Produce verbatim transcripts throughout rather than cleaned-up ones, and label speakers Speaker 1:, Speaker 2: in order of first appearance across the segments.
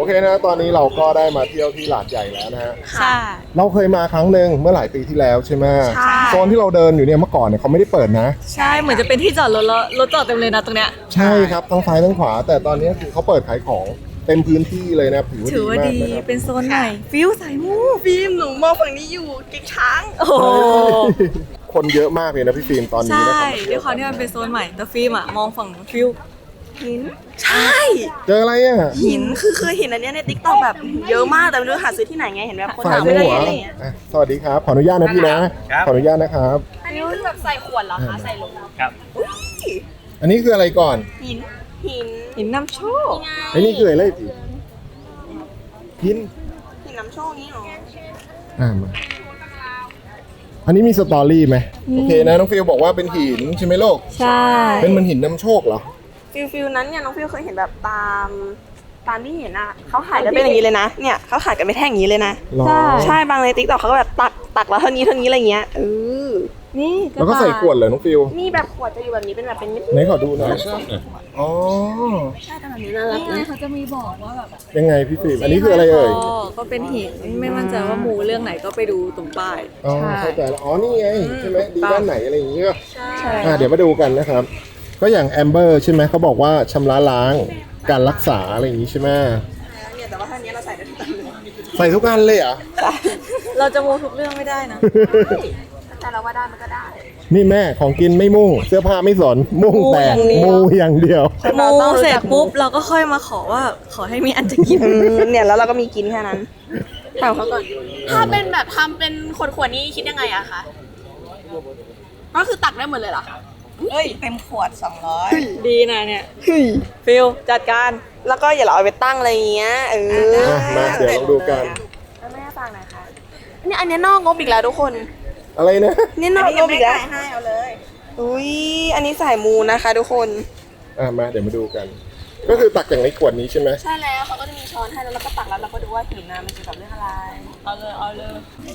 Speaker 1: อเคนะตอนนี้เราก็ได้มาเที่ยวที่หาดใหญ่แล้วนะฮะ
Speaker 2: ใช่
Speaker 1: เราเคยมาครั้งหนึ่งเมื่อหลายปีที่แล้วใช่ไหม
Speaker 2: ใช่
Speaker 1: โซนที่เราเดินอยู่เนี่ยเมื่อก่อนเนี่ยเขาไม่ได้เปิดนะ
Speaker 2: ใช่เหมือนจะเป็นที่จอดรถแล้วรถจอดเต็มเลยนะตรงเนี้ย
Speaker 1: ใช่ครับทั้งซ้ายทั้งขวา แต่ตอนนี้คือเขาเปิดขายของเต็มพื้นที่เลยนะถือว่า
Speaker 2: ถื
Speaker 1: ดี
Speaker 2: อว่าม
Speaker 1: าก
Speaker 2: ดี
Speaker 1: นะครับ
Speaker 2: เป็นโซนใหม่ฟิวใส่มู
Speaker 3: ฟิล์มหนูมองฝั่งนี้อยู่กิ๊กช้าง
Speaker 2: โอ้โห
Speaker 1: คนเยอะมากเลยนะพี่ฟิล์มตอนนี้
Speaker 2: ใช่
Speaker 1: นะครับ
Speaker 2: ด้วยความที่มันเป็นโซนใหม่แต่ฟิล์มอะมองฝั่งนู้นฟิว
Speaker 3: หิน ใช่
Speaker 1: เจออะไรอ่ะ
Speaker 3: หินคือคือหินอันเนี้ยในติ๊กต็อกแบบเยอะมากแต่ไม่รู้หาซื้อที่ไหนไงเห็นแบบคน
Speaker 1: ฝ่าย
Speaker 3: หา
Speaker 1: ใน
Speaker 3: ไม่ได้
Speaker 1: หัว
Speaker 3: อะไรอย่างเงี้ย
Speaker 1: อ่ะสวัสดีครับ ขออนุญาตนะพี่นะ ขออนุญาตนะครับ
Speaker 3: อันนี้คือแบบใส่ขวดเหรอคะใส่ลง
Speaker 4: ครับ
Speaker 1: อันนี้คืออะไรก่อน
Speaker 3: หินหิน
Speaker 2: หินนำโชค
Speaker 1: ไอ้นี่คืออะไรสิพิน
Speaker 3: หินน้ำโชคนี้เหรอ
Speaker 1: อ่ามาอันนี้มีสตอรี่ไหมโอเคนะน้องฟิลบอกว่าเป็นหินใช่ไหมโลก
Speaker 2: ใช่
Speaker 1: เป็นมันหินนำโชคเหรอ
Speaker 3: ฟิลฟิลนั้นเนี่ยน้องฟิลเคยเห็นแบบตามตามที่เห็นอ่ะเขาขายกันเป็นอย่างนี้เลยนะเนี่ยเขาขายกันไม่แท่งอย่างนี้เลยนะ
Speaker 1: หรอ
Speaker 3: ใช่บางในติ๊กต็อกเขาก็แบบตักตักแล้วเท่านี้เท่านี้อะไรเงี้ยเออ
Speaker 2: นี่
Speaker 1: แล้วก็ใส่ขวดเหรอน้องฟิล
Speaker 3: นี่แบบขวดจะอยู่แบบนี้เป็นแบบเป็นเม็ด
Speaker 1: ไหนขอดูหน่อยอ๋อ
Speaker 3: ใช่แต่แบบนี้น่ารัก
Speaker 2: นี่ไง
Speaker 3: นะ
Speaker 2: เขาจะมีบอกว่าแบบ
Speaker 1: ยังไงพี่ฟิล์มอันนี้คืออะไรเอ่ย
Speaker 2: ก็เป็นหินไม่มั่นใจว่ามูเรื่องไหนก็ไปดูตรงป้าย
Speaker 1: อ๋อเข้าใจแล้วอ๋อนี่ไงใช่ไหมดีด้านไหนอะไรอย่างเงี้ย
Speaker 2: ใช่
Speaker 1: อ่ะเดี๋ยวมาดูกันนะครับ ก็อย่างแอมเบอร์ใช่ไหมเขาบอกว่าชำระล้างการรักษาอะไรอย่างงี้ใช่ไหม
Speaker 3: เนี่ยแต่ว่าท่านี้เราใส่ได้ทุกตัวเลย
Speaker 1: ใส่ทุกอันเลยเหรอ่ะ
Speaker 2: เราจะมูทุกเรื่องไม่ได้นะ
Speaker 3: แต่เราว่าได้มันก็ได้
Speaker 1: นี่แม่ของกินไม่มุ่ง เสื้อผ้าไม่สนมุ่งแต่มูอย่างเดียว
Speaker 2: มูเสร็จปุ๊บเราก็ค่อยมาขอว่าขอให้มีอันจะกิน
Speaker 3: อืมเนี่ยแล้วเราก็มีกินแค่นั้นถามเขาก่อน
Speaker 5: ถ้าเป็นแบบทำเป็นขวดๆนี้คิดยังไงอะคะ ก็คือตักได้หมดเลยเหรอ
Speaker 3: เอ้ยเต็มขวดสองร้อย
Speaker 2: ดีนะเนี่ยฟิลจัดการ
Speaker 3: แล้วก็อย่าเราเอาไปตั้งอะไรอย่างเงี้ยเออ
Speaker 1: อ่ะมาเดี๋ยวลองดูกัน
Speaker 3: แล้วแม่ฟังหน่อยค่ะเนี่ยอันเนี้ยนอกงบอีกแล้วทุกคน
Speaker 1: อะไรนะ
Speaker 3: นี่นอกงบอีกแล้วให้เอาเลยอุ้ยอันนี้สายมูนะคะทุกคน
Speaker 1: อ่ะมาเดี๋ยวมาดูกัน ก็คือตักจากในขวดนี้ใช่ไหม
Speaker 3: ใช่แล้วเขาก็จะมีช้อนให้แล้วเราก็ตักแล้วเราก็ดูว่าหินน้ำมันเกี่ยวกับเรื่องอะไร
Speaker 2: เอาเลยเอาเลย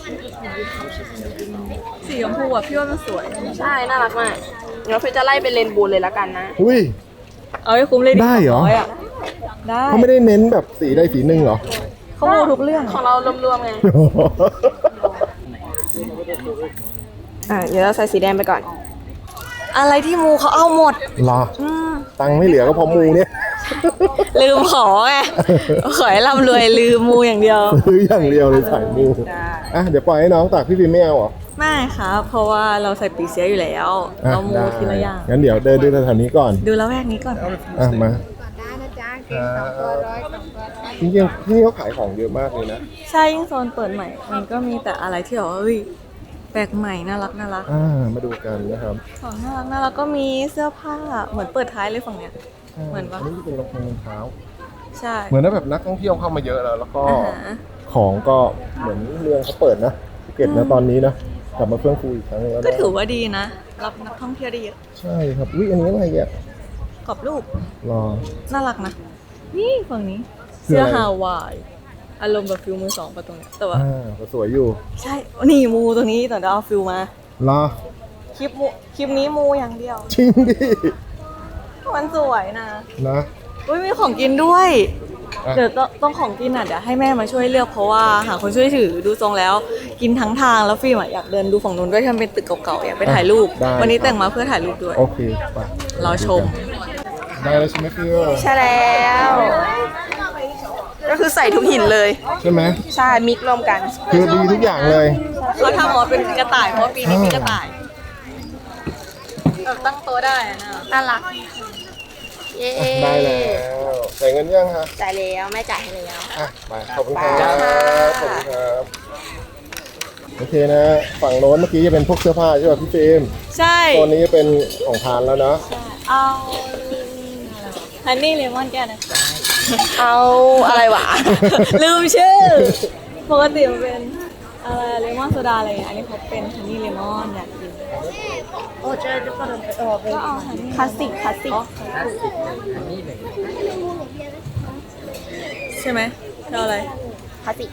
Speaker 2: สีชมพูอ่ะพี่ว่ามันสวย
Speaker 3: ใช่น่ารักมากเดี๋ยวเฟยจะไล่เป็นเรนโบว์เลยแล้วกันนะ
Speaker 1: อุ้ย
Speaker 2: เอาให้คุ้มเลย
Speaker 1: ได้เหรอ
Speaker 2: สงยะได้
Speaker 1: เขาไม่ได้เน้นแบบสีใดสีหนึ่งเหรอ
Speaker 2: เขามูทุกเรื่อง
Speaker 3: ของเรารวมๆไงอ่ะเดี๋ยวเราใส่สีแดงไปก่อน
Speaker 2: อะไรที่มูเขาเอาหมด
Speaker 1: รอตังค์ไม่เหลือก็เพอมูเนี่ย
Speaker 2: ลืมขอไงขอให้ร่ำรวยลืมมูอย่างเดียว
Speaker 1: ซื้ออย่างเดียวเลยใส่มู
Speaker 2: ได้
Speaker 1: อ่ะเดี๋ยวปล่อยให้น้องตักพี่ฟิล์มไม่เอาเหรอ
Speaker 2: ไม่ครับเพราะว่าเราใส่ปีเสียอยู่แล้ว
Speaker 1: อ่ะ
Speaker 2: เรามู
Speaker 1: ได้
Speaker 2: ทีละอย่าง
Speaker 1: งั้นเดี๋ยวเดินดูแถวๆนี้ก่อน
Speaker 2: ดูแล้วแวกนี้ก่อน
Speaker 1: อ่ะมาจริงๆที่นี่เขาขายของเยอะมากเลยนะ
Speaker 2: ใช่ยิ่งโซนเปิดใหม่ มันก็มีแต่อะไรที่แบบว่าเฮ้ยแปลกใหม่น่ารักน่ารัก
Speaker 1: อ่ามาดูกันนะครับ
Speaker 2: ของน่ารักน่ารักก็มีเสื้อผ้าเหมือนเปิดท้ายเลยฝั่งเนี้ย เหมือนปะ
Speaker 1: อันนี้เป็นรองเท้า
Speaker 2: ใช่
Speaker 1: เหมือนว่าแบบนักท่องเที่ยวเข้ามาเยอะแล้ว แล้วก็
Speaker 2: อาหาร
Speaker 1: ของก็เหมือนเมืองเขาเปิดนะภูเก็ตนะตอนนี้นะกลับมาเฟื่องฟูอีกครั้งหนึงแล้ว
Speaker 2: ก็
Speaker 1: นะ
Speaker 2: ถือว่าดีนะ รับนักท่องเที่ยวได้เยอะ
Speaker 1: ใช่ครับอุ้ยอันนี้อะไรอ่ะ
Speaker 2: กรอบรูป
Speaker 1: รอ
Speaker 2: น่ารักนะ นี่ฝั่งนี้
Speaker 1: คือ
Speaker 2: เสื้อ
Speaker 1: อะไร
Speaker 2: ฮาวายอารมณ์แบบฟิลมือสองประตรงเนี้ยแต่ว่า
Speaker 1: อ่าก็สวยอยู่
Speaker 2: ใช่นี่มูตรงนี้แต่เดี๋ยวเอาฟิลมาร
Speaker 1: อ
Speaker 2: คลิปมูคลิปนี้มูอย่างเดียว
Speaker 1: จริงดิ
Speaker 2: มันสวยนะ
Speaker 1: นะ
Speaker 2: อุ้ยมีของกินด้วย
Speaker 1: อ่ะ
Speaker 2: เดี๋ยวต้องต้องของกินอ่ะเดี๋ยวให้แม่มาช่วยเลือกเพราะว่าหาคนช่วยถือดูทรงแล้ว กินทั้งทางแล้วฟิล์มอะอยากเดินดูฝั่งนู้นด้วยที่มันเป็นตึกเก่าๆอยากไปถ่ายรูป
Speaker 1: ได้
Speaker 2: วันนี้แต่งมาเพื่อถ่ายรูปด้วย
Speaker 1: โอเคไป
Speaker 2: รอชม
Speaker 1: ได้แล้วใช่ไหมฟิว
Speaker 3: ใช่แล้ว ก็คือใส่ทุกหินเลย
Speaker 1: ใช่ไหม
Speaker 3: ใช่มิกรวมกัน
Speaker 1: คือดีทุกอย่างเลย
Speaker 2: เขาทำหมอเป็นกระต่ายเพราะว่าปีนี้มีกระต่ายแบบตั้งโต๊ะได้อะนะ
Speaker 3: น่ารัก เย้
Speaker 1: ได้แล้วใส่เงินยังฮะ
Speaker 3: จ่ายแล้วแม่จ่ายให้แล้ว
Speaker 1: อ่ะไปขอบคุณครับ
Speaker 3: ไปค่ะ
Speaker 1: ขอบคุณครับโอเคนะ ฝั่งโน้นเมื่อกี้จะเป็นพวกเสื้อผ้าใช่ป่ะพี่ฟิล์ม
Speaker 2: ใช่
Speaker 1: โซนนี้จะเป็นของทานแล้วนะ
Speaker 2: เอาฮันนี่เลมอนแก้วนะ
Speaker 3: เอาอะไรวะ
Speaker 2: ลืมชื่อ ปกติมันเป็นอะไรเลมอนโซดาอะไรอย่างเงี้ยอันนี้เขาเป็นฮันนี่เลมอนอยากกินโอ้เจอจะก็เอาฮันนี่
Speaker 3: คลาสสิกคลาสสิก
Speaker 2: ใช่ไหมเธออะไร
Speaker 3: คลาสสิก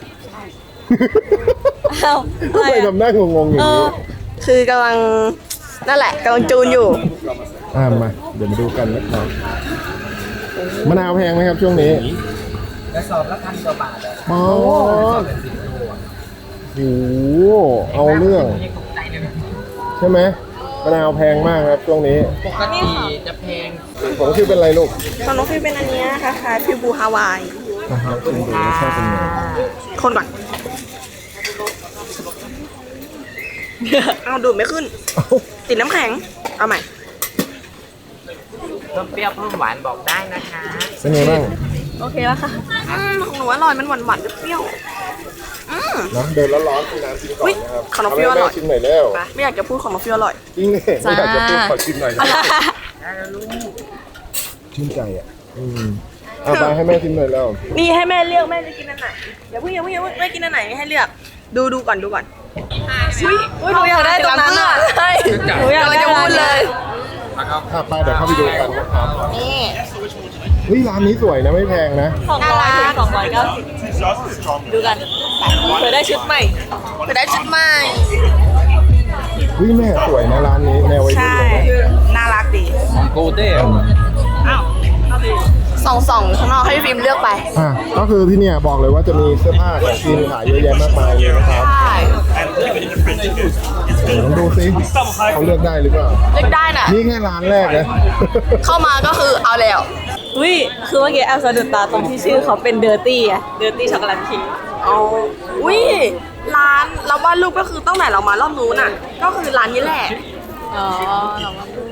Speaker 2: อ้าวอะ
Speaker 1: ทำ
Speaker 2: ไร
Speaker 1: ไม
Speaker 2: อะ
Speaker 1: ทำหน้างงๆอย่าง
Speaker 2: เอ
Speaker 1: นี้
Speaker 2: อ
Speaker 3: คือกำลังนั่นแหละกำลังจูนอยู่
Speaker 1: อ่ามา เดี๋ยวมาดูกันนะครับมะนาวแพงไหมครับช่วงนี้
Speaker 4: กระสอบละพันกว่าบาทเลย
Speaker 1: อ๋อ
Speaker 4: เป็นสิบโลอะ
Speaker 1: โอ้โหเอาเรื่อง
Speaker 4: ไม่ตกใจเลย
Speaker 1: ใช่ไหมมะนาวแพงมากครับช่วงนี้
Speaker 4: ปกติจะแพง
Speaker 1: ผมชื่อเป็นอะไรลูก
Speaker 3: ของน้องฟิวเป็นอันเนี้ยค่ะค่ะฟิวบูฮาวาย
Speaker 1: นะครับชิมดูรสชาติเป็นไง
Speaker 3: คนก่อน เอาดูดไม่ขึ้น
Speaker 1: เอ้า
Speaker 3: ติดน้ำแข็ง เอาใหม่
Speaker 4: เพิ่มเปรี้ยวเพิ่มหวานบอกได้นะคะ
Speaker 1: เป็นไงบ้าง
Speaker 2: โอเคแล้วค่ะ
Speaker 3: อืมของหนูอร่อยมันหวานหวานๆเปรี้ยวๆอืม
Speaker 1: นะเดินแล้วร้อนกินน้ำกินก่อนนะครับ
Speaker 3: อุ๊ยขนมเปรี้ยวอร่อย
Speaker 1: าให้แม่ชิมหน่อยแล้ว
Speaker 3: ไปไม่อยากจะพูดของน้องฟิวอร่อย
Speaker 1: จริงเนี่ยไม่อยากจะพูดขอชิมหน่อยนะ
Speaker 4: ได้แล้วลูก
Speaker 1: ชื่นใจอ่ะอืมเอาไปให้แม่ชิมหน่อยแล้ว
Speaker 3: นี่ให้แม่เลือกแม่จะกินอันไหนอย่าเพิ่งอย่าเพิ่งอย่าเพิ่งแม่กินอันไหนให้เลือก ดูดูก่อนดูก่อนอุ้ย
Speaker 2: อุ้ยหนูอยากได้ตรงนั้นอ่ะ
Speaker 3: ใช่
Speaker 2: หนูอยากได้
Speaker 3: จะพูดเลย
Speaker 1: อ่ะไปเดี๋ยวเข้าไปดูกันนะครับ
Speaker 3: นี่
Speaker 1: เฮ้ยร้านนี้สวยนะไม่แพงนะ
Speaker 2: สองร้อยถึงสองร้อยเก้าสิบดูกันเผื่อได้ชุดใหม่
Speaker 3: จะได้ชุดใหม่
Speaker 1: เฮ้ยแม่สวยนะร้านนี้แนววัยรุ่น
Speaker 3: ใช่
Speaker 1: เลยนะ
Speaker 3: น่ารักดี
Speaker 4: ของโกเต้
Speaker 3: ส่องส่องข้างนอกให้ฟิล์มเลือกไป
Speaker 1: อ่ะก็คือที่เนี่ยบอกเลยว่าจะมีเสื้อผ้าของกินขายเยอะแยะมากมายเลยนะครับ
Speaker 3: ใช่
Speaker 1: เดี๋ยวลองดูซิเขาเลือกได้หรือเปล่า
Speaker 3: เลือกได้น่ะ
Speaker 1: นี่แค่ร้านแรกนะ
Speaker 3: เข้ามาก็คือเอาแล้ว
Speaker 2: อุ้ยคือเมื่อกี้แอลสะดุดตาตรงที่ชื่อเขาเป็นเดอร์ตี้อะเดอร์ตี้ช็อกโกแลตคิง
Speaker 3: เอาอุ้ยร้านเราวาดรูปก็คือตั้งแต่เรามารอบนู้นน่ะ ก็คือร้านนี้แหละ
Speaker 2: อ๋อเรามาดู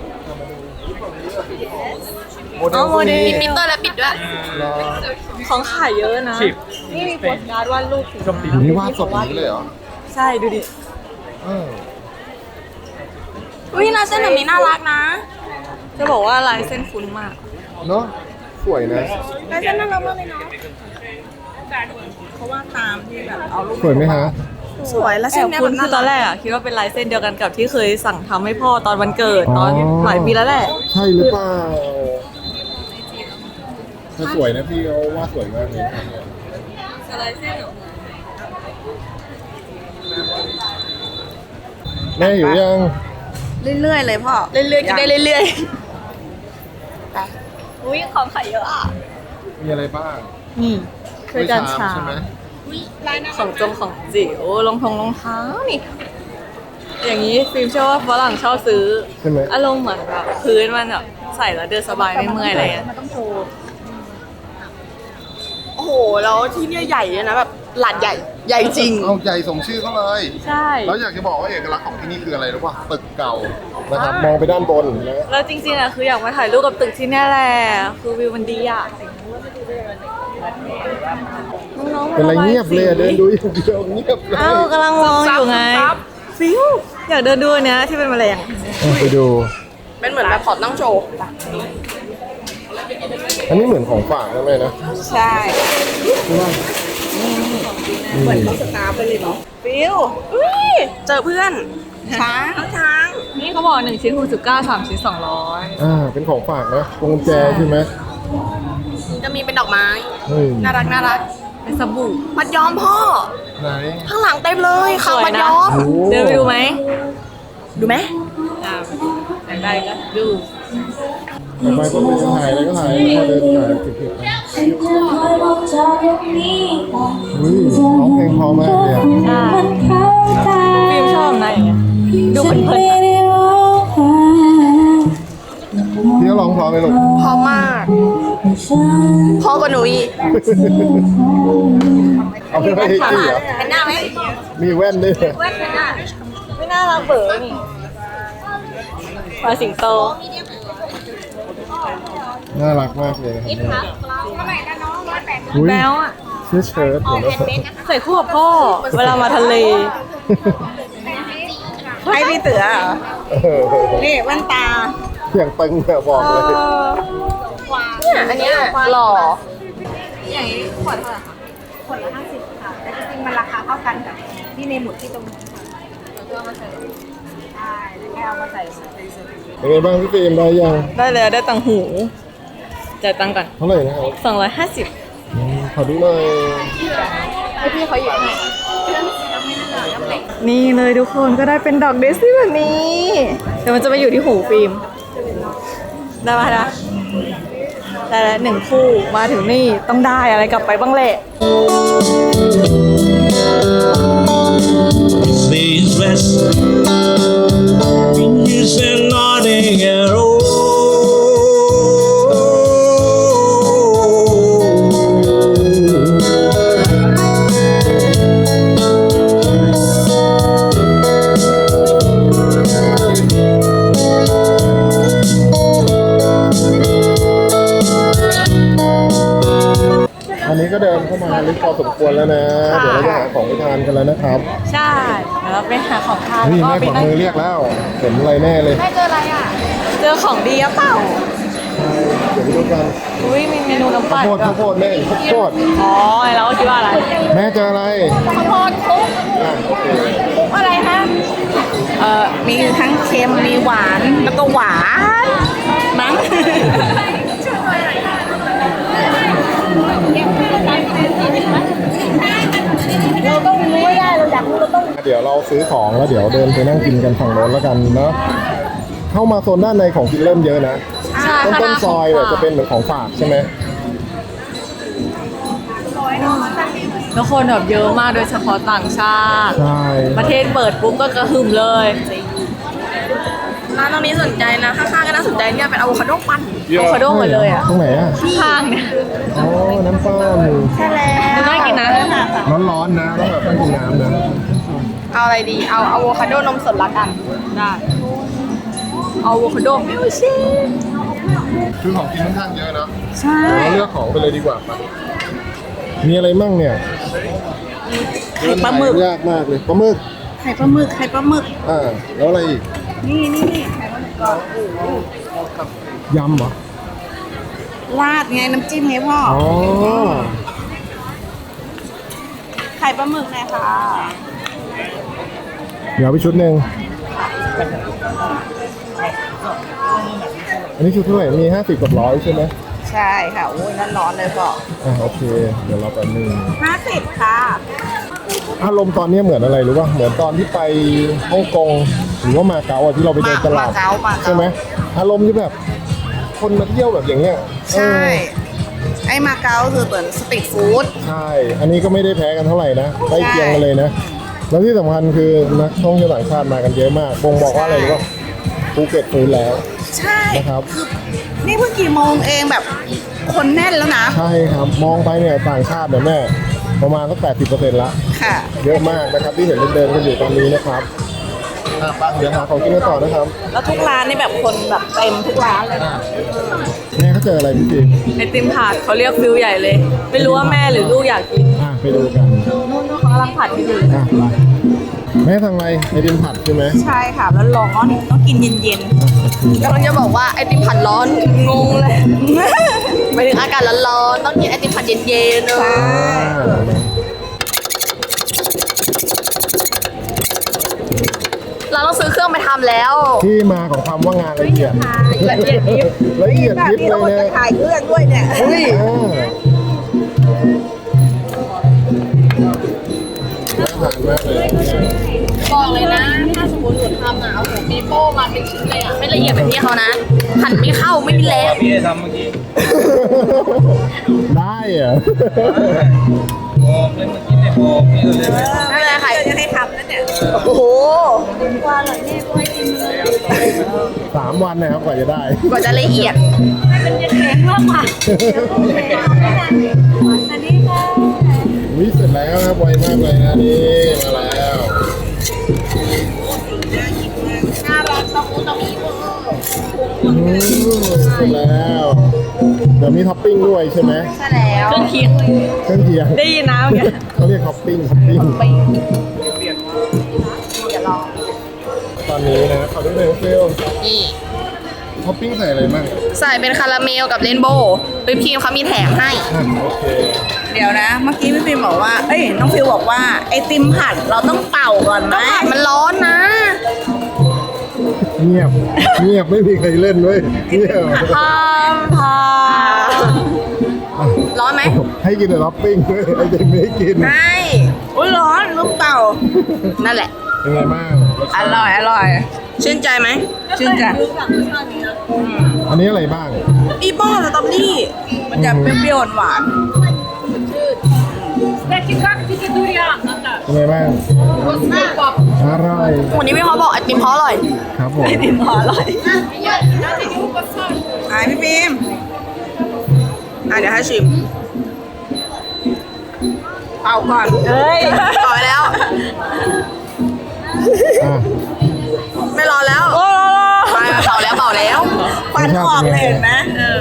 Speaker 1: โมเด
Speaker 2: อ๋
Speaker 1: ล
Speaker 2: อโมเดล
Speaker 3: มีมิเตอร์และปิดด้วย
Speaker 1: รอ
Speaker 2: ของขายเยอะนะ นี่มีโปสการ์ดวาดรูปสี
Speaker 1: อยู่นี่วาดสดอย่างนี้เลยเหรอ
Speaker 2: ใช่ดูดิ
Speaker 1: เออ
Speaker 3: อุ้ยลายเส้นแบบนี้น่ารักนะ
Speaker 2: จะบอกว่าลายเส้นคุ้นมาก
Speaker 1: เนาะสวยนะ
Speaker 3: ลายเส้นน่ารักมากเลยเนาะ
Speaker 2: เพราะว่าตามที่แบบเอารูป
Speaker 1: สวยไหมฮะ
Speaker 3: สวยแล้ว
Speaker 2: แอ
Speaker 3: เส้น
Speaker 2: บ
Speaker 3: เนี้ย
Speaker 2: คุ้น
Speaker 3: แบบ
Speaker 2: คือตอนแรกอะคิดว่าเป็นลายเส้นเดียวกันกับที่เคยสั่งทำให้พ่อตอนวันเกิดตอนหลายปีแล้วแหละ
Speaker 1: ใช่หรือเปล่าถ้าสวยนะพี่เขาวาดสวยมากเลย
Speaker 2: ลายเส้นเหรอ
Speaker 1: แม่อยู่ยัง
Speaker 3: เรื่อยๆเลยพ่อ
Speaker 2: เรื่อยๆกินได้เรื่อย
Speaker 3: ไป
Speaker 2: ๆอุ้ยของขายเยอะอ่ะ
Speaker 1: มีอะไรบ้าง
Speaker 2: นี่คือการชา
Speaker 1: ใช่ไหม
Speaker 2: ของจงของจิ๋วรองทงรองเท้านี่ อย่างนี้ฟิล์มเชื่อว่าฝรั่งชอบซื้อ
Speaker 1: ใช่ไหม
Speaker 2: อารมณ์เหมือนแบบพื้นมันแบบใส่แล้วเดินสบายไม่เมื่อยอะไรเงี้ย
Speaker 3: โอ้โหแล้วที่เนี่ยใหญ่เลยนะแบบหลาดใหญ่ใหญ่จริง
Speaker 1: เอาใจสมชื่อเขาเลย
Speaker 2: ใช่
Speaker 1: แล้วอยากจะบอกว่าเอกลักษณ์ของที่นี่คืออะไรรู้ป่ะตึกเก่านะครับ มองไปด้านบนนะ
Speaker 2: แล้วจริงๆอะคืออยากมาถ่ายรูปกับตึกที่เนี่ยแหละคือวิวมันดีอะน้องๆมา
Speaker 1: เป็นอะไร
Speaker 2: ระบา
Speaker 1: เงียบเลยอะ
Speaker 2: สี
Speaker 1: เดินดูอย่างเดียวเงียบเลย
Speaker 2: อ้าวกำลังมองอยู่ไง
Speaker 3: ครับ
Speaker 2: ฟิวอยากเดินดูอันเนี้ยที่เป็นแมลง
Speaker 1: เอาไปดู
Speaker 3: เป็นเหมือนแบบพอร์ตตั้งโชว์
Speaker 1: อันนี้เหมือนของฝากนะแม่นะ
Speaker 3: ใช่
Speaker 1: ใช่ไหมเหมือน
Speaker 3: สตาร์ไปเลยเนาะฟิวอุ้ยเจอเพื่อน ช้างช้าง
Speaker 2: นี่เขาบอกหนึ่งชิ้นหกสิบเก้าสามชิ้นสองร้อย
Speaker 1: อ่าเป็นของฝากนะพวงกุญแจใช่ไหม
Speaker 3: จะมีเป็นดอกไม้
Speaker 1: เฮ้ย
Speaker 3: น่ารักน่ารัก
Speaker 2: เป็นสบู่
Speaker 3: มัดย้อมพ่อ
Speaker 1: ไหน
Speaker 3: ข้างหลังเต็มเลย
Speaker 2: ส
Speaker 3: ข้าง
Speaker 2: วย
Speaker 3: มัด
Speaker 2: นะ
Speaker 3: ย้อม
Speaker 1: โอ้
Speaker 2: เดินไปดูไหม
Speaker 3: ดูไหม
Speaker 2: อ่าอยากได้ก็ดู
Speaker 1: ต่อไปก็เป็นถ่ายอะไรก็ถ่ายพอเดินถ่ายเก็บๆไปอุ้ยร้องเพลงเพอมากเลยอะ
Speaker 2: ใช่ฟิล์มชอบนะอย่างเงี้ยดูเพลินๆอะ
Speaker 1: พี่ก็ร้องเพราะไหมลูก
Speaker 3: พอมากพ่อกว่าหนูอีก
Speaker 1: เอาไปให้จี้เหรอ
Speaker 3: เห็นหน้าไหม
Speaker 1: มีแว่นด้วยเหรอ
Speaker 3: เว้นเห็นหน้า
Speaker 2: ไม่น่ารักเบ๋อนี่ปลาสิงโต
Speaker 1: น่ารักมากเลยนะครับอุ้ย
Speaker 2: แล้วอ่ะ
Speaker 1: เสื้อเชิ้ตเหมือนกัน
Speaker 2: ใส่คู่กับพ่อ เวลามาทะเล
Speaker 3: ให้พี่เต๋อเหรอ
Speaker 1: เออ
Speaker 3: นี่แว่นตา
Speaker 1: เสียงตึงเนี่ยบอกเลย
Speaker 3: เนี่ยอันเนี้ยหล่อ
Speaker 2: อย่างนี้ขวดเท่าไหร่คะ
Speaker 6: ขวดละห้าสิบค่ะ แต่จริงๆมันราคาเท่ากันกับที่ในหมุดที่ตรงนี้ค่ะ
Speaker 2: แล้วก็เอามาใส่
Speaker 6: ใช่แล้วแค่เอามาใส่
Speaker 1: เป็นไงบ้างพี่ฟิล์มได้ยัง
Speaker 2: ได้เลยได้ตังหูจ่ายตังค์ก่อน
Speaker 1: เท่าไหร่นะครับ
Speaker 2: สองร้อยห้าสิบ
Speaker 1: อืมขอดูหน่อย
Speaker 2: ให้พี่เขาหยิบให้นี่เลยทุกคนก็ได้เป็นดอกเดซี่แบบนี้เดี๋ยวมันจะไปอยู่ที่หูฟิล์มได้ไหมนะแต่หนึ่งคู่มาถึงนี่ต้องได้อะไรกลับไปบ้างแหละ
Speaker 7: Please rest in his nodding arrow.
Speaker 1: อันนี้ก็เดินเข้ามาลึกพอสมควรแล้วนะ เดี๋ยวเราจะหาของไปทานกันแล้วนะครับ
Speaker 2: ใช่เดี๋ยวเราไปหาของทาน
Speaker 1: นี่
Speaker 2: แล้ว
Speaker 1: แม่
Speaker 2: ก็ไป
Speaker 1: กด
Speaker 2: นั่ง
Speaker 1: มือเรียกแล้ว เห็นอะไรแน่เลย
Speaker 2: เจอของดีอะเปล่า
Speaker 1: เดี๋ยวไปดูกัน
Speaker 2: อุ้ยมีเมนูน้ำ
Speaker 1: ข้า
Speaker 2: ปั่
Speaker 1: วน โพดข้าวโพดแม่ข้าวโพด
Speaker 2: อ๋อเราก็คิดว่าอะไร
Speaker 1: แม่เจออะไร
Speaker 6: ข้าวโพดคลุก
Speaker 1: อ่ะโอเค
Speaker 6: คลุกอะไรคะเอ่อมีทั้งเค็มมีหวานแล้วก็หวานมั้ง เราต้องรู้ให้ได้เราอยากรู้เราต้อง
Speaker 1: เดี๋ยวเราซื้อของแล้วเดี๋ยวเดินไปนั่งกินกันฝั่งโน้นแล้วกันเนาะเข้ามาโซนด้านในของกินเริ่มเยอะนะ
Speaker 2: ใช่
Speaker 1: ต้น
Speaker 2: ค่ะ
Speaker 1: ต้นซอยเนี่ยจะเป็นเหมือนของฝากใช่ไหม
Speaker 2: ทุกคนแบบเยอะมากโดยเฉพาะต่างชาติ
Speaker 1: ใช่
Speaker 2: ประเทศเปิดปุ๊บก็กระหึ่มเลย
Speaker 3: ร้านตรงนี้สนใจนะข้างๆก็น่าสนใจเนี่ยเป็นอะโวคาโดปั่น
Speaker 2: อะโวคาโดหมดเลยอ่ะ
Speaker 1: ตรงไหนอ่ะ
Speaker 2: ข้างเนี่ย
Speaker 1: อ๋อน้ำปั้น
Speaker 6: ใช่แล้ว
Speaker 2: น่ากินนะ
Speaker 1: ร้อนๆนะต้องแบบต้องกินน้ำนะ
Speaker 3: เอาอะไรดี เอาอะโวคาโดนมสดละกัน
Speaker 2: ได้เอาอะโวคาโดมิลชิ
Speaker 1: คือของกินค่อนข้างเยอะเนาะ
Speaker 2: ใช่
Speaker 1: เราเลือกของไปเลยดีกว่าปะมีอะไรมั่งเนี่ย
Speaker 6: ไข่ปลาหมึก
Speaker 1: เดินยากมากเลยปลาหมึก
Speaker 6: ไข่ปลาหมึกไข่ปลาหมึก
Speaker 1: อ่าแล้วอะไรอีก
Speaker 6: นี่นี่นี่ไข่ปลาหมึกก่อน
Speaker 1: ยำเหรอ
Speaker 6: ราดไงน้ำจิ้มไงพ่อ
Speaker 1: อ๋อ
Speaker 6: ไข่ปลาหมึกไงค่ะ
Speaker 1: เดี๋ยวไปชุดหนึ่งอันนี้ชุดเท่าไหร่มีห้าสิบกับร้อยใช่ไหม
Speaker 6: ใช่ค่ะโอ้ยร้อนๆเลยพ่อ
Speaker 1: อ่าโอเค เดี๋ยวเราไปนึ่ง
Speaker 6: ห้าสิบค่ะ
Speaker 1: อารมณ์ตอนนี้เหมือนอะไรรู้ป่ะเหมือนตอนที่ไปฮ่องกงหรือว่ามาเก๊าอ่ะที่เราไปเดินตลาด
Speaker 6: มาเก๊ามาเก๊า
Speaker 1: ใช่ไหมอารมณ์ที่แบบ คนมาเที่ยวแบบอย่างเงี้ย
Speaker 6: ใช่
Speaker 1: เออ
Speaker 6: ไอ้มาเก๊าคือเหมือนสตรีทฟู้ด
Speaker 1: ใช่ อันนี้ก็ไม่ได้แพ้กันเท่าไหร่นะใกล้เคียงกันเลยนะ แล้วที่สำคัญคือนักท่องเที่ยวต่างชาติมากันเยอะมากบ่งบอกว่าอะไรรู้ป่ะภูเก็ตฟูดแล้ว
Speaker 6: ใช่
Speaker 1: นะครับ
Speaker 6: นี่เพิ่งกี่โมงเองแบบคนแน่นแล้วนะ
Speaker 1: ใช่ครับ มองไปเนี่ยต่างชาติเนี่ยแม่ประมาณสักแปดสิบเปอร์เซ็นต์ละ
Speaker 6: ค่ะ
Speaker 1: เยอะมากนะครับที่เห็นเดินๆกันอยู่ตอนนี้นะครับอ่ะไปเดี๋ยวหาของกินกันต่อนะครับ
Speaker 6: แล้วทุกร้านนี่แบบคนแบบเต็มทุกร้านเลย
Speaker 1: แม่เขาเจออะไรพี่จี
Speaker 2: ไอติมถาดเขาเรียกฟิวใหญ่เลย ไม่รู้ว่าแม่หรือลูกอยากกิน
Speaker 1: อ่ะไปดูกัน
Speaker 2: นู่นๆเขากำลังผัดอยู่
Speaker 1: อ่ะไปแม่ทำอะไรไอติมผัดใช่ไหม
Speaker 6: ใช่ค่ะแล้วร้อนต้องกินเย็น
Speaker 3: กำลังจะบอกว่าไอติมผัดร้อน งงเลย ไปถึงอากาศร้อนๆต้องกินไอติมผัดเย็นๆเนอะ
Speaker 1: อ่า
Speaker 3: เราต้องซื้อเครื่องไปทำแล้ว
Speaker 1: ที่มาของคำว่างานละเอียด
Speaker 3: ละเอียดยิบ
Speaker 1: ละเอียด
Speaker 6: ๆแบบ
Speaker 1: ยิบ
Speaker 6: นี้
Speaker 1: เล
Speaker 6: เรา
Speaker 1: ย
Speaker 6: จะ
Speaker 1: นะ
Speaker 6: ถ่ายเครื่องด้วยเนี่ย
Speaker 1: อุ้ยอ่าน่าทานมากเลย
Speaker 3: บอกเลยนะ ถ้าสมมติหนูทำอ่ะเอาหัวปีโป้มาเป็นชิ้นเลยอ่ะ ไม่ละเอียดแบบนี้เขานะ หั่นไม่เข้าไม่มีแรง
Speaker 4: พี่ทำเมื่อกี้
Speaker 1: ได้เหรอะ
Speaker 4: บอกเลยเมื่อกี้ไม่บอกพี่ก็เลยไม่
Speaker 3: ไม่เป็นไรค่ะ
Speaker 6: จะให้ทำนั่นเนี่ย
Speaker 3: โอ้โห
Speaker 1: สามวันนะครับกว่าจะได้
Speaker 3: กว่าจะละเอียด
Speaker 1: วิเสร็จแล้วครับไวมากเลยนะนี่มาแล้ว
Speaker 3: หน้าร้อนต้องมูต้องมีเวอร์
Speaker 1: อืมเสร็จแล้วเดี๋ยวมีท็อปปิ้งด้วยใช่ไหม
Speaker 6: ใช่แล้ว
Speaker 2: เครื่องเคียง
Speaker 1: เครื่องเคียง
Speaker 2: ได้ยินนะเมื่อกี้
Speaker 1: เขาเรียกท็อปปิ้งท็อปปิ้งตอนนี้นะเขาได้เลยเฟล
Speaker 3: นี่
Speaker 1: ท็อปปิ้งใส่อะไรบ้าง
Speaker 3: ใส่เป็นคาราเมลกับเรนโบว์วิปครีมเขามีแถมให้
Speaker 1: อ่ะโอเค
Speaker 6: เดี๋ยวนะ เมื่อกี้พี่ฟิล์มบอกว่า เอ้ย น้องฟิวบอกว่าไอติมผัดเราต้องเป่าก่อนไหม
Speaker 3: ต้องผัดมันร้อนนะ
Speaker 1: เงียบ เงียบไม่มีใครเล่นด้วยเงียบ
Speaker 2: พามพาม
Speaker 3: ร้อนไหม
Speaker 1: ให้กินแต่ท็อปปิ้งด้วยไอ้เด็กไม่ให้กิน
Speaker 6: ใช่อุ้ยร้อนลูกเป่า
Speaker 3: นั่นแหละ
Speaker 1: เเป็นไงบ้างรส
Speaker 6: อ
Speaker 1: ชาติ
Speaker 6: ร่อยอร่อย
Speaker 3: ชื่นใจไหม
Speaker 6: ชื่นใจ
Speaker 1: อันนี้อะไรบ้าง
Speaker 3: อีโป้สตรอเบอรี่
Speaker 6: มันจะเปรี้ยวๆหวาน
Speaker 1: เป็นไงบ้างอร่อย
Speaker 3: วันนี้พี่เขาบอกไอติมเขาอร่อย
Speaker 1: ครับผม
Speaker 3: ไอติมเขาอร่อย
Speaker 6: ๆไอ้พี่ฟิล์ม
Speaker 3: อ่ะเดี๋ยวให้ชิม
Speaker 6: เป่าก่อน
Speaker 3: เฮ้ยต่อไปแล้ว
Speaker 1: อ่ะ
Speaker 3: ไม่รอแล้วไปเป่าแล้วเป่าแล้ว
Speaker 6: ควันออกเลยเห็นไหมเออ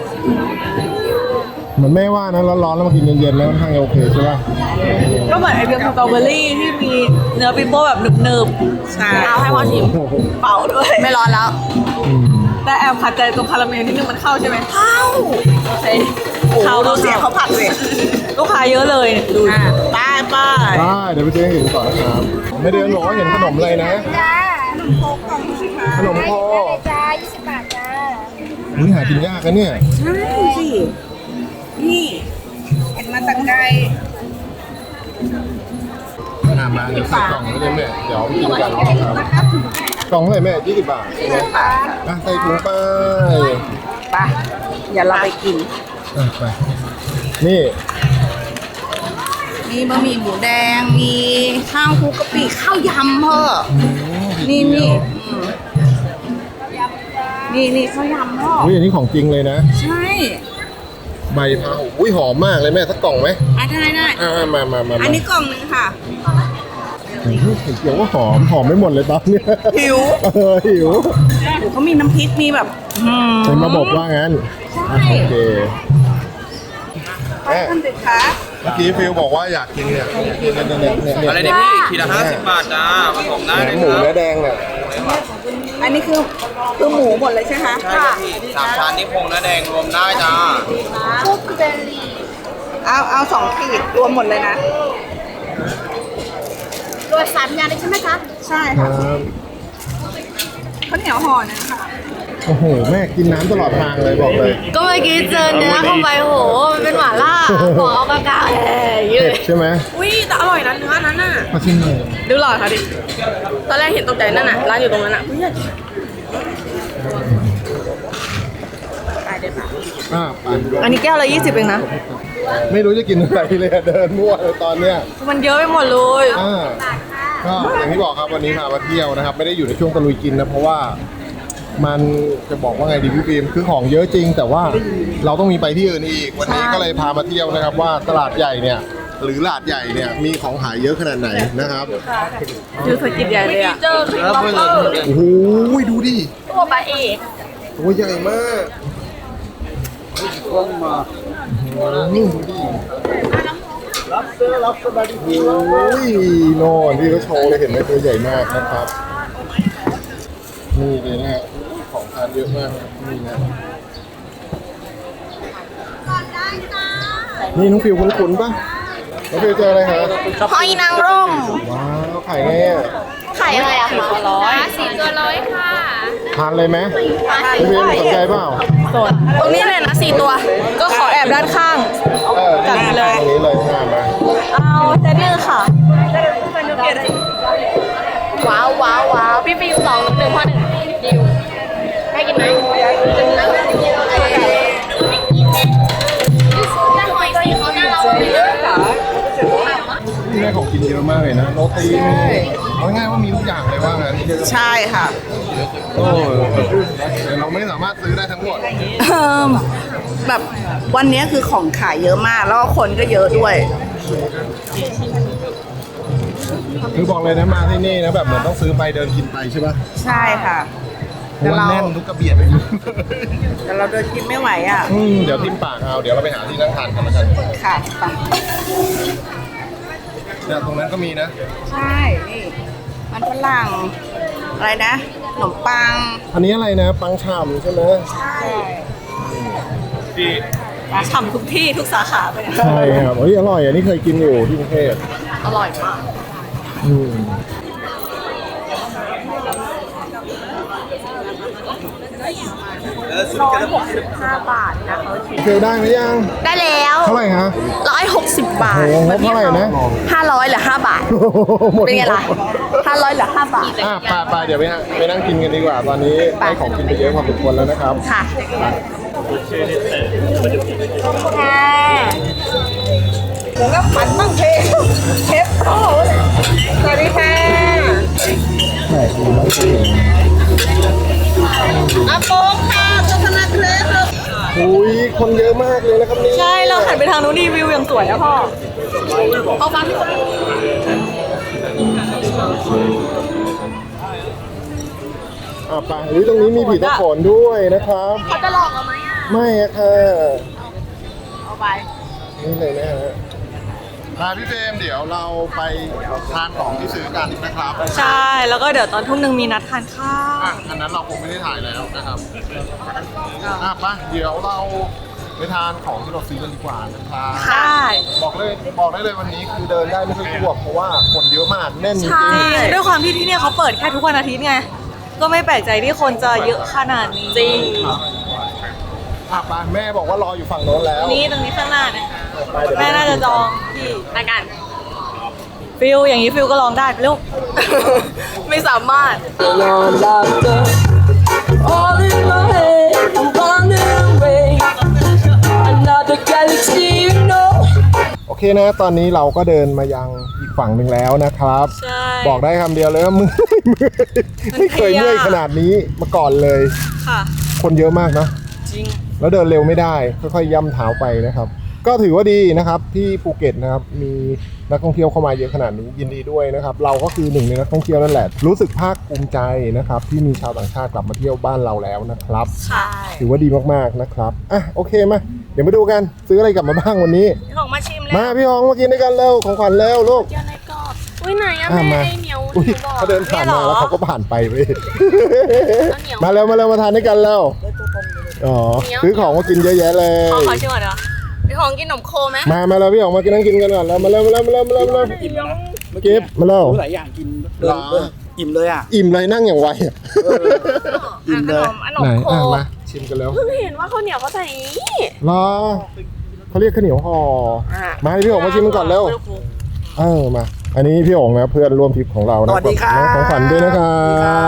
Speaker 1: เหมือนแม่ว่านะร้อนๆแล้วมากินเย็นๆแล้วค่อนข้างจะโอเคใช่ป่ะ
Speaker 2: ก็เหมือนไอติมสตรอเบอรี่ที่มีเนื้อปิโป้แบบหนึบ
Speaker 6: ใช่
Speaker 3: เอาให้พ่อชิม
Speaker 1: โอ้โห
Speaker 2: ๆเป่าด้วย
Speaker 3: ไม่ร้อนแล้ว
Speaker 1: อืม
Speaker 2: แต่แอบขัดใจตรงคาราเมลนิดนึงมันเข้าใช่ไหม
Speaker 3: เข้า
Speaker 2: โอเค
Speaker 6: โอ้
Speaker 2: เข้า
Speaker 6: ดูเสียงเขาผัดเลย
Speaker 2: ลูกค้าเยอะเลยดู
Speaker 6: อ่ะป้ายป้าย
Speaker 1: ได้เดี๋ยวไปเจอให้เห็นก่อนนะครับไม่เดินบอกว่าเห็นขนมอะไรนะ
Speaker 8: จ้าขนมโคกกล่องสิคะ
Speaker 1: ขนมโค
Speaker 8: จ้ายี่สิบบาทจ้า
Speaker 1: อุ้ยหากินยากนะเนี่ย
Speaker 6: ใช่สิ นี่ เห็นมาตั้งไกล
Speaker 1: อ่ามาเดี๋ยวใส่กล่องไว้เลยแม่เดี๋ยวไปกินกันนะครับกล่องเท่าไหร่แม่ยี่สิบบาทใช่ไหมอ่ะใส่ถุงไป
Speaker 6: ไปอย่าเราไปกิน
Speaker 1: อ่ะไปนี่
Speaker 6: มีบะหมี่หมูแดง มีข้าวคลุกกะปิข้าวยำเพ้อนี่นี่อืมนี่นี่ข้าวยำพ่อ
Speaker 1: อุ้ยอันนี้ของจริงเลยนะ
Speaker 6: ใช่
Speaker 1: ใบพาอุ้ยหอมมากเลยแม่สักกล่องไหม
Speaker 6: อ่ะได้ได้
Speaker 1: อ่ามามามา
Speaker 6: อันนี้กล่องหนึงค่ะ
Speaker 1: โอ้โหเห็นเกี่ยวว่าหอมหอมไม่หมดเลยตอนเนี้ย
Speaker 6: หิว
Speaker 1: เออหิว
Speaker 6: โอ้เขามีน้ำพริก มีแบบอืม
Speaker 1: เป็นระบบว่างั้นอ่ะโอเคแม่
Speaker 6: ท่านเด็ดขา
Speaker 1: เมื่อกี้ฟิลบอกว่าอยากกินเนี่ยกินเนี่ยเนี่ยเนี่ยเนี่ย
Speaker 4: อะไรเนี่ยพี่ขีดละห้าสิบบาทจ้าผสมได้
Speaker 1: แหน
Speaker 4: เลย
Speaker 1: มหมู
Speaker 4: ครั
Speaker 1: เนื้
Speaker 4: บ
Speaker 1: อแดงเนี่ย
Speaker 6: อันนี้คือคือหมูหมดเลยใช่ไหม
Speaker 4: ใช่ครับพี่สามชั้นนี่โครงเนื้อแดงรวมได้จ้า
Speaker 8: คุกเบอร์รี่
Speaker 6: เอาเอาสองขีดรวมหมดเลยนะ
Speaker 8: รวมสามอย่างเลยใช่ไหมคะ
Speaker 6: ใช่
Speaker 1: ค
Speaker 6: ค่ะ
Speaker 1: รับ
Speaker 6: ข้าวเหนียวห่อหนึงค่ะ
Speaker 1: โอ้โหแม่กินน้ำตลอดทางเลยบอกเลย
Speaker 2: ก็เมื่อกี้เจอเนื้อเข้าไปโหมันเป็นหม่าล่าหอมกากาแหยื
Speaker 1: เผ็
Speaker 2: ด
Speaker 1: ดใช่ไหม
Speaker 3: อุ้ยแต่อร่อยนะเนื้อนั้นน่ะ
Speaker 1: มาชิมหน่อย
Speaker 3: ดูหลอดค่ะดิ ตอนแรกเห็นตกใจนั่นน่ะ ร้านอยู่ตรงนั้นน่ะอุ๊ย
Speaker 1: อ่าไป
Speaker 2: อันนี้แก้วละยี่สิบเองนะ
Speaker 1: ไม่รู้จะกินอะไรเลยอะเดินมั่วเลยตอนเนี้ย
Speaker 2: มันเยอะไปหมดเลย
Speaker 1: อ่าก็อย่างที่บอกครับวันนี้พามาเที่ยวนะครับ ไม่ได้อยู่ในช่วงตะลุยกินนะเพราะว่ามันจะบอกว่าไงดีพี่ฟิล์มคือของเยอะจริง แต่ว่าเราต้องมีไปที่อื่นอีกวันนี้ก็เลยพามาเที่ยวนะครับว่าตลาดใหญ่เนี่ยหรือลาดใหญ่เนี่ยมีของขายเยอะขนาดไหนนะครับ
Speaker 2: ดูสกิดใหญ่เลยอ่ะ
Speaker 3: เจอครีมบัฟเฟอร์
Speaker 1: โอ้โหดูดิ
Speaker 3: ตัวปลาเอก
Speaker 1: ตัวใหญ่มากอืมดูดิรับเสื้อรับสบายดีโอ้ยโน่นที่เขาโชว์เลยเห็นไหมตัวใหญ่มากนะครับนี่เลยนะฮะของทานเยอะมากนี่นะนี่น้องฟิวคุ้นๆป่ะน้องฟิวเจออะไรฮะ
Speaker 3: หอยนางรม
Speaker 1: ว้าวขายไงอ่ะ
Speaker 3: ขายยังไงอะคะร้อย
Speaker 8: สี่ตัวร้อยค่ะ
Speaker 1: ทานเลยไหมพี่ฟิวสนใจเปล่า
Speaker 3: ตรงนี้เลยนะสี่ตัว ก็ขอแอบด้านข้าง
Speaker 1: เออจัดเลยตรงนี้เลยมามา
Speaker 2: เอาเซตหนึ่งค่ะ
Speaker 3: ว้าวว้าวว้าวพี่ฟิวสองหนึ่งพ่อหนึ่งดิวได้กินไหม
Speaker 8: แต่หอยสีเขาน่ารักเลยนะ
Speaker 1: แม่ของกินเยอะมากเลยนะโรตีมีเอาง่ายๆว่ามีทุกอย่างเลยว่างั้น
Speaker 6: ใช่ค่ะ
Speaker 1: โอ้แต่เราไม่สามารถซื้อได้ทั้งหมด
Speaker 6: เอิ่มแบบวันนี้คือของขายเยอะมาก แล้วก็คนก็เยอะด้วย
Speaker 1: คือบอกเลยนะมาที่นี่นะแบบเหมือนต้องซื้อไปเดินกินไปใช่ป่ะ
Speaker 6: ใช่ค่ะ
Speaker 1: เพราะว่าแน่นทุกกระเบียดเลย
Speaker 6: แต่เราเดินกินไม่ไหวอ่ะ
Speaker 1: อืมเดี๋ยวทิมปากเอาเดี๋ยวเราไปหาที่นั่งทานกันแล้วกัน
Speaker 6: ค่ะไป
Speaker 1: เนี่ยตรงนั้นก็มีนะ
Speaker 6: ใช่นี่มันฝรั่งอะไรนะขนมปัง
Speaker 1: อันนี้อะไรนะปังฉ่ำใช่ไหม
Speaker 6: ใช่
Speaker 2: ฉ่ำทุกที่ทุกสาขาไปเลย
Speaker 1: ใช่ครับเฮ้ยอร่อยอันนี้เคยกินอยู่ที่กรุงเทพ
Speaker 2: อร่อยมาก
Speaker 1: อืม
Speaker 3: ร้อยหกสิบห้าบาทนะเขาคิด
Speaker 1: เฟลได้ไหมยัง
Speaker 3: ได้แล้ว
Speaker 1: เท่าไหร่ฮะ
Speaker 3: ร้อยหกสิบบาท
Speaker 1: โอ้โหงบเท่าไหร่นะ
Speaker 3: ห้าร้อยเหลือห้าบาท
Speaker 1: หมด
Speaker 3: เป็นไงล่ะห้าร้อยเหลือห้าบาท
Speaker 1: อ่ะไปไปเดี๋ยวไปฮะไปนั่งกินกันดีกว่า ตอนนี้ได้ของกินไปเยอะพอสมควรแล้วนะครับ
Speaker 3: ค่ะ
Speaker 6: ผมก็ฝันบ้างเพลงเชฟโอ้สวัสดีค่ะอาโปงค่ะโฆษณาเคลสลูก
Speaker 1: อุ้ยคนเยอะมากเลยนะครับนี่
Speaker 2: ใช่เราหันไปทางนู้นดีวิวอย่างสวยอะพ่อ
Speaker 5: เอาฟังที่คน
Speaker 1: อ่ะไปหรือตรงนี้มีผีตะโขนด้วยนะครับ
Speaker 5: เขาจะหลอกเราไหมอ่ะ
Speaker 1: ไม่อะค่ะ
Speaker 5: เอาไป
Speaker 1: นี่เลยนะฮะมาพี่เฟรมเดี๋ยวเราไปทานของที่ซื้อกันนะครับ
Speaker 2: ใช่แล้วก็เดี๋ยวตอนทุ่มหนึ่งมีนัดทานข้าว
Speaker 1: อ่ะอันนั้นเราคงไม่ได้ถ่ายแล้วนะครับอ่ะไปเดี๋ยวเราไปทานของที่เราซื้อกันดีกว่านะครับ
Speaker 2: ใช่
Speaker 1: บอกเลยบอกได้เลยวันนี้คือเดินได้ไม่ค่อยทั่วเพราะว่าคนเยอะมากแน่นจริง
Speaker 2: จริงด้วยความที่ที่เนี่ยเขาเปิดแค่ทุกวันอาทิตย์ไง ก็ไม่แปลกใจที่คนจะเยอะขนาดนี้จริง
Speaker 1: อ่ะไปแม่บอกว่ารออยู่ฝั่งโน้นแล้ว
Speaker 2: นี่ตรงนี้ข้างหน้าเนี่ย
Speaker 1: ไปเดี๋ยว
Speaker 2: แม่น่าจะจองที่รายการฟิลอย่างนี้ฟิลก็ลองได้ลูก
Speaker 3: ไม่สามารถ
Speaker 9: All in my head, I'm wandering away. Another galaxy, you know.
Speaker 1: โอเคนะตอนนี้เราก็เดินมายังอีกฝั่งหนึ่งแล้วนะครับ
Speaker 2: ใช่
Speaker 1: บอกได้คำเดียวเลยว่า มือไม่เคยเมื่อยขนาดนี้มาก่อนเลย
Speaker 2: ค่ะ
Speaker 1: คนเยอะมากนะ
Speaker 2: จริง
Speaker 1: แล้วเดินเร็วไม่ได้ค่อยๆย่ำเท้าไปนะครับ ก็ถือว่าดีนะครับที่ภูเก็ตนะครับมีนักท่องเที่ยวเข้ามาเยอะขนาดนี้ยินดีด้วยนะครับ เราก็คือหนึ่งในนักท่องเที่ยวนั่นแหละรู้สึกภาคภูมิใจนะครับที่มีชาวต่างชาติกลับมาเที่ยวบ้านเราแล้วนะครับ
Speaker 2: ใช่
Speaker 1: ถือว่าดีมากๆนะครับอ่ะโอเคมาเดี๋ยวมาดูกันซื้ออะไรกลับมาบ้างวันนี้
Speaker 2: ของมาชิมเลย
Speaker 1: มาพี่ฮองมากินด้วยกันเร็วของขวัญเร็วลูก
Speaker 5: เดี๋ยวในกรอบอุ้ยไหนอะ
Speaker 1: อ่ะ
Speaker 5: แม่
Speaker 1: มา
Speaker 5: ไอเหนียว
Speaker 1: อุ้ย
Speaker 5: บอก
Speaker 1: เขาเดินผ่านมาแล้วเขาก็ผ่านไปเว้ย
Speaker 5: เอาเหนียว
Speaker 1: มาเร็วมาเร็วมาทานด้วยกันเร็วอ๋อซื้อของมากินเยอะแยะเลย
Speaker 2: ขอขอชิมก่อนเดี๋ยว
Speaker 3: พี่ของกินขนมโคไหม
Speaker 1: มามาแล้วพี่ออกมากินนั่งกินกันก่อนแล้วมาเร็วมาเร็วมาเร็วมาเร็วมาเร็วเก็บมาเร็ว
Speaker 4: หลายอย่างกินเดินเดินอิ่มเลยอ่ะ
Speaker 1: อิ่มเลยนั่งอย่างไวอ่ะ
Speaker 4: อิ่มเลย
Speaker 3: ขน
Speaker 1: ไหน
Speaker 3: มโค
Speaker 1: อ่ะมาชิมกันแล้ว
Speaker 3: เพิ่งเห็นว่าข้าวเหนียวเขาใส่อย่างนี้
Speaker 1: รอเขาเรียกข้าวเหนียวห่อมาให้พี่ออกมาชิมกันก่อนเร็วเออมา อันนี้พี่องนะเพื่อนร่วมทริปของเรานะ
Speaker 4: สวัสดีครับ
Speaker 1: ของขวัญด้วยนะครับ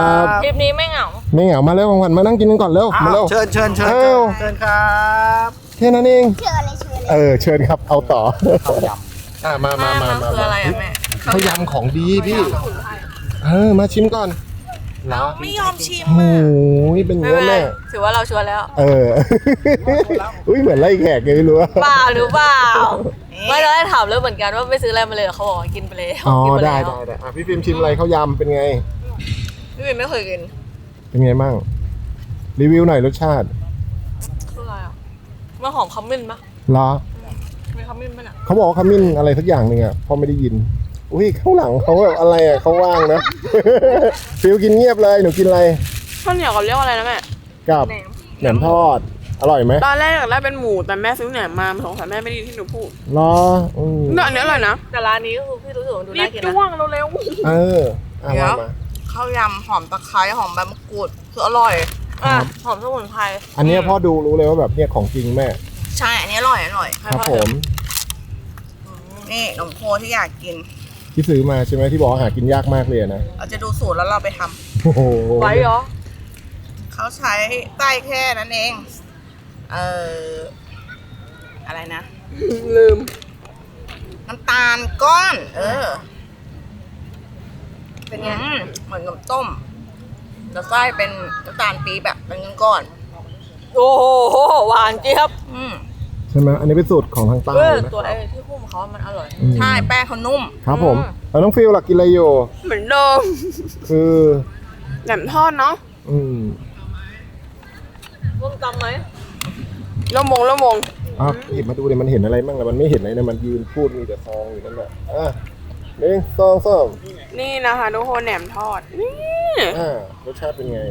Speaker 2: ทริปนี้ไม่เหงา
Speaker 1: ไม่เหงามาเร็วของขวัญมานั่งกินกันก่อนเร็ว
Speaker 4: อ้าว
Speaker 1: มาเร็ว
Speaker 4: เชิญเชิญเชิญ
Speaker 1: อ้าว
Speaker 4: เชิญครับ
Speaker 1: แค่นั้นเอง
Speaker 8: เชิญเลยเชิญเลย
Speaker 1: เออเชิญครับเอาต่อ
Speaker 4: ข้าวย
Speaker 1: อ่ะมามามามา
Speaker 2: คืออะไรอะแม่
Speaker 1: ข้าวยำของดีพี่เออมาชิมก่อนเหรอ
Speaker 2: ไม่ยอมชิม
Speaker 1: โอ้ยเป็นเงี้ยแม่
Speaker 2: ถือว่าเราชวนแล้ว
Speaker 1: เออ อุ้ยเหมือนไล่แขกเลยไม่รู้ว่า
Speaker 2: เปล่าหรือเปล่าไม่เราได้ถามเลยเหมือนกันว่าไปซื้ออะไรมาเลยเหรอเขาบอกว่ากินไปเลย
Speaker 1: อ๋อ
Speaker 2: กินป
Speaker 1: ได้
Speaker 2: แล้ว
Speaker 1: ได้ได้อ่ะพี่ฟิล์มชิมอะไรข้าวยำเป็นไง
Speaker 2: พี่วินไม่เคยกิน
Speaker 1: เป็นไงมั่งรีวิวหน่อยรสชาติ
Speaker 2: คืออะไรอ่ะมันหอมขมิ้นปะ
Speaker 1: เหรอ
Speaker 2: มีขมิ้นปะเนี่ย
Speaker 1: เขาบอกว่าขมิ้นอะไรสักอย่างหนึ่งอ่ะพอไม่ได้ยิน อุ้ยข้างหลังเขาแบบอะไรอ่ะเขาว่างนะ ฟิลกินเงียบเลยหนูกินอะไร
Speaker 3: ข้าวเหนียวกับเรียกว่าอะไรนะแม่
Speaker 1: กับแหนมทอด อร่อยไหม
Speaker 3: ตอนแรกอยากได้เป็นหมูแต่แม่ซื้อแหนมมาสงสัยแม่ไม่ไดีที่หนูพูด
Speaker 1: เหรออืม
Speaker 3: เนื้ออันนี้อร่อยนะ
Speaker 2: แต่ร้านนี้ก็คือพี่รู้สึกว่าดู
Speaker 3: รี
Speaker 2: น่า
Speaker 3: บ
Speaker 2: กิน
Speaker 3: จ้
Speaker 2: นะ
Speaker 3: วงเร็ว
Speaker 1: เอออ่ะมามา
Speaker 3: ข้าวยำหอมตะไคร้หอมใบมะกรูดคืออร่อย
Speaker 2: อ่ะหอมสมุนไพร
Speaker 1: อันเนี้ยพ่อดูรู้เลยว่าแบบเนี่ยของจริงแม่
Speaker 3: ใช่อันนี้อร่อยอร่อย
Speaker 1: ครับผม
Speaker 3: นี่ขนมโคที่อยากกิน
Speaker 1: ที่ซื้อมาใช่ไหมที่บอกว่าหากินยากมากเลยนะ
Speaker 3: เราจะดูสูตรแล้วเราไปทำ
Speaker 1: โอ้โห
Speaker 2: ไว้เหรอ
Speaker 3: เขาใช้ไส้แค่นั้นเอง เอออะไรนะ ลืม น้ำตาลก้อน เออ เป็นไงอืมเหมือนกับต้มแต่ไส้เป็นน้ำตาลปี๊บแบบเป็นก้อน
Speaker 2: โอ้โหหวานเจี๊ยบ
Speaker 3: ๆอืม
Speaker 1: ใช่ไหมอันนี้เป็นสูตรของทางใต้
Speaker 2: เออ
Speaker 1: นะ
Speaker 2: ตัวไอ้ที่หุ้มเขามันอร่อย
Speaker 1: อืม
Speaker 3: ใช่แป้งเขานุ่ม
Speaker 1: ครับผมแล้วน้องฟิลหลักกินอะไรอยู่
Speaker 3: เหมือนเดิม
Speaker 1: คือ
Speaker 3: แหนมทอดเนาะ
Speaker 1: อืม
Speaker 2: ร่วมตำไหม
Speaker 3: ละมงละมง
Speaker 1: อ่ะหยิบมาดูเลยมันเห็นอะไรบ้างล่ะมันไม่เห็นอะไรนะมันยืนพูดมีแต่ซองอยู่นั่นแหละอ่ะหนึ่งสองสาม
Speaker 3: นี่นะคะทุกคนแหนมทอด นี่
Speaker 1: อ่ารสชาติเป็นไง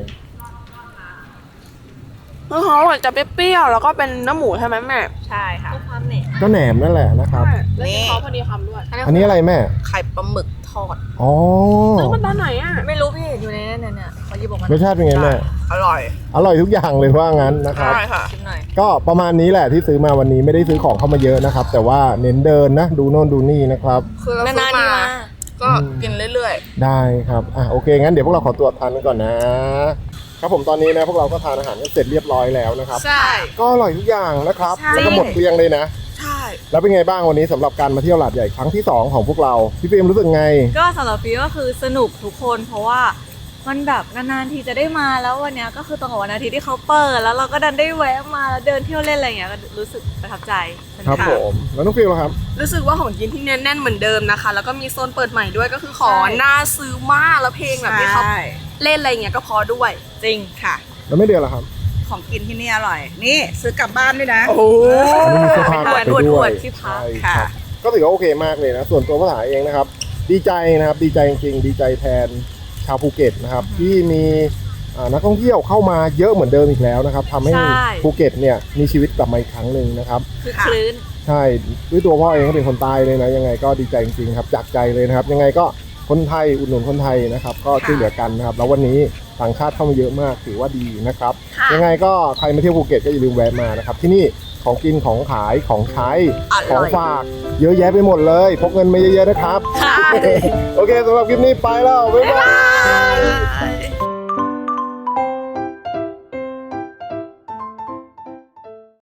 Speaker 3: คือเขาอะจะเปรี้ยวๆแล้วก็เป็นเนื้อหมูใช่ไหมแม่
Speaker 2: ใช่ค่ะความเหน็บ
Speaker 1: ก็แหนมนั่นแหละนะครับ
Speaker 3: นี่เขาพอดีคำด้วย
Speaker 1: อันนี้อะไรแม่
Speaker 3: ไข่ปลาหมึกท
Speaker 5: ทอด
Speaker 1: อ๋อ
Speaker 5: ซื้อมันตอนไหนอ่ะ
Speaker 2: ไม่รู้พี่เห็นอยู่ในนั้นเนี่ยเนี่ยเขาหยิบออกมาร
Speaker 1: สชาติเป็นไงแม่
Speaker 3: อร่อย
Speaker 1: อร่อยทุกอย่างเลยว่างั้นนะครับ
Speaker 3: ใช่ค่ะ
Speaker 2: ชิมหน่อย
Speaker 1: ก็ประมาณนี้แหละที่ซื้อมาวันนี้ไม่ได้ซื้อของเข้ามาเยอะนะครับ แต่ว่าเน้นเดินนะดูโน่นดูนี่นะครับ
Speaker 3: คือเราซื้อมาก็กินเรื่อย
Speaker 1: ได้ครับอ่ะโอเคงั้นเดี๋ยวพวกเราขอตัวทานกันก่อนนะ ครับผมตอนนี้นะพวกเราก็ทานอาหารกันเสร็จเรียบร้อยแล้วนะครับ
Speaker 3: ๆ ใช่
Speaker 1: ก็อร่อยทุกอย่างนะครับ
Speaker 3: ใช่
Speaker 1: แล้วก็หมดเกลี้ยงเลยนะ
Speaker 3: ใช่
Speaker 1: แล้วเป็นไงบ้างวันนี้สำหรับการมาเที่ยวหลาดใหญ่ครั้งที่สองของพวกเราพี่ฟิล์มรู้สึกไง
Speaker 2: ก็สำหรับฟีก็คือสนุกทุกคนเพราะว่ามันแบบนานๆทีจะได้มาแล้ววันเนี้ยก็คือตรงกับวันอาทิตย์ที่เขาเปิดแล้วเราก็ดันได้แวะมาแล้วเดินเที่ยวเล่นอะไรอย่างเงี้ยก็รู้สึกประทับใจสนุก
Speaker 1: ครับผมแล้วน้องฟิล์มล่ะครับ
Speaker 5: รู้สึกว่าของกินที่แน่นๆเหมือนเดิมนะคะ แล้วก็มีโซนเปิดใหม่ด้วยก็คือขอน่าซื้อมากแล้วเพลงแบบที่เขาเล่นอะไรอย่างเงี้ยก็พอด้วย
Speaker 2: จริง
Speaker 3: ค่ะ
Speaker 1: แล้วไม่เดือนล่ะครับ
Speaker 3: ของกินที่นี่อร่อย นี่ซื้อกลับบ้านด้วยนะ
Speaker 5: โอ้โห
Speaker 1: อันนี้มีเสื้อผ้า
Speaker 2: อวด
Speaker 1: ไปด้
Speaker 2: อ
Speaker 1: ว
Speaker 2: วย ดที่พัก
Speaker 1: ใช่
Speaker 3: ค่ะ
Speaker 1: ครับก็ถือว่าโอเคมากเลยนะส่วนตัวภาษาเองนะครับ ดีใจนะครับดีใจจริงๆดีใจแทนชาวภูเก็ตนะครับที่มีอ่านักท่องเที่ยวเข้ามาเยอะเหมือนเดิมอีกแล้วนะครับทำให้
Speaker 2: ใช่
Speaker 1: ภูเก็ตเนี่ยมีชีวิตกลับมาอีกครั้งหนึ่งนะครับ
Speaker 2: คือคลื่น
Speaker 1: ใช่ด้วยตัวพ่อเองก็เป็นคนใต้เลยนะยังไงก็ดีใจจริงๆครับจากใจเลยนะครับ ยังไงก็คนไทยอุดหนุนคนไทยนะครับ ก็ช่วยเหลือกันนะครับ แล้ววันนี้ต่างชาติเข้ามาเยอะมากถือว่าดีนะครับ
Speaker 5: ค่ะ
Speaker 1: ยังไงก็ใครมาเที่ยวภูเก็ตก็อย่าลืมแวะมานะครับ ที่นี่ของกินของขายของใช้ของฝากเยอะแยะไปหมดเลยพกเงินมาเยอะๆนะครับ
Speaker 2: ค่ะ
Speaker 1: โอเคสำหรับคลิปนี้ไปแล้วบ๊ายบาย